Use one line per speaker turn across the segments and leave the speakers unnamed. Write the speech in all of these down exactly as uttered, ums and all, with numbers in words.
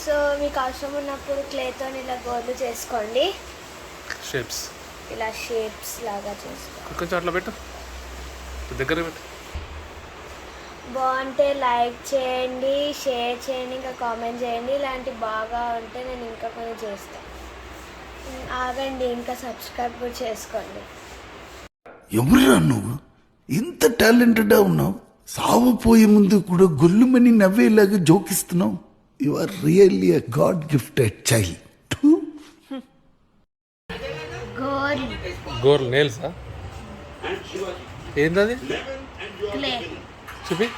So మీకు అవసరం ఉన్నప్పుడు క్లేతో ఇలా గోర్లు చేసుకోండి.
షేప్స్
ఇలా షేప్స్ లాగా చేసుకోండి.
కొంచెం అట్లా పెట్టు, దగ్గర పెట్టు.
బాగుంటే లైక్ చేయండి, షేర్ చేయండి, ఇంకా కామెంట్ చేయండి. ఇలాంటి బాగా ఉంటే నేను ఇంకా కొన్ని చేస్తాను. ఆగండి, ఇంకా సబ్స్క్రైబ్ కూడా చేసుకోండి.
ఎవరురా నువ్వు? ఇంత టాలెంటెడ్గా ఉన్నావు, సావపోయే ముందు కూడా గొల్లుమని నవ్వేలాగా జోకిస్తున్నావు. You are really a god gifted child.
గోర్లు
గోర్లు నేల్సా? ఏంది అది?
క్లే.
చూపి.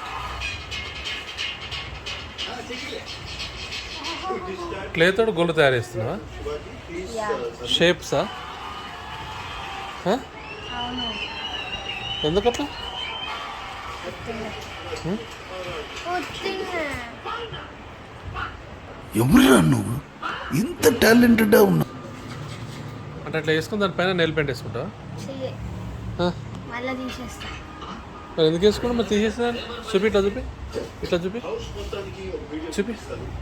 క్లేతో గోళ్ళు తయారు చేస్తున్నావా? షేప్సా?
అవును.
ఎందుకట్లా?
ఎవరురా నువ్వు? ఇంత టాలెంటెడ్గా ఉన్నావు.
అంటే అట్లా వేసుకుని దానిపైన నెయిల్ పెయింట్ వేసుకుంటావా?
మళ్ళీ తీసేస్తా.
మరి ఎందుకు వేసుకున్నా? మరి తీసేస్తాను. చూపి, ఇట్లా చూపి, ఇట్లా చూపి, చూపి.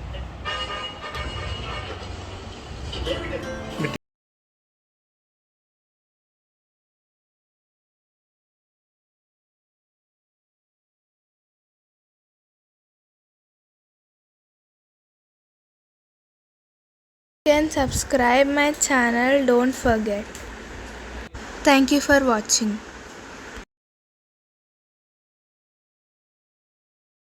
You can subscribe my channel, don't forget. Thank you for watching.